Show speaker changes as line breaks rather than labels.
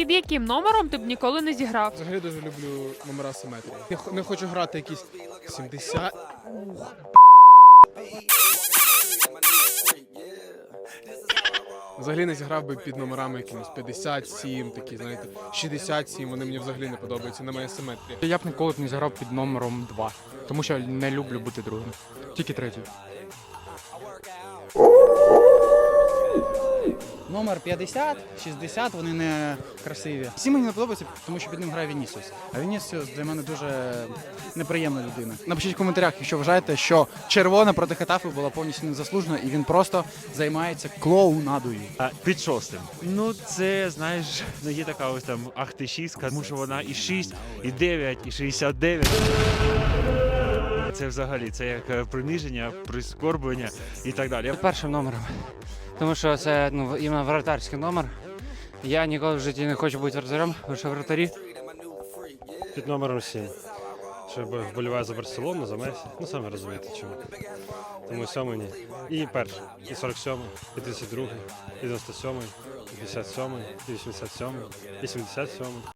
Під яким номером ти б ніколи не зіграв?
Взагалі дуже люблю номера симетрії. Не хочу грати якісь 70. Взагалі не зіграв би під номерами якимось 57, такі, знаєте, 67, вони мені взагалі не подобаються, немає симетрії.
Я б ніколи не зіграв під номером 2, тому що не люблю бути другим, тільки третій.
Номер 50, 60, вони не красиві. Всі мені не подобаються, тому що під ним грає Вінісіус. А Вінісіус для мене дуже неприємна людина. Напишіть в коментарях, якщо вважаєте, що червона проти Хетафи була повністю незаслужена, і він просто займається клоунадою.
Під шостим. Ну це, знаєш, є така ось там ахти-шістка, тому що вона і 6, і 9, і 69. Це взагалі, це як приниження, прискорблення і так далі.
Першим номером, тому що це іменно вратарський номер. Я ніколи в житті не хочу бути вратарем, лише вратарі.
Під номером 7. Що вболіваю за Барселону, за Месі. Ну, самі розумієте, чому. Тому 7 ні. І перший. І 47, і 32, і 97, і 57, і 87, і 77.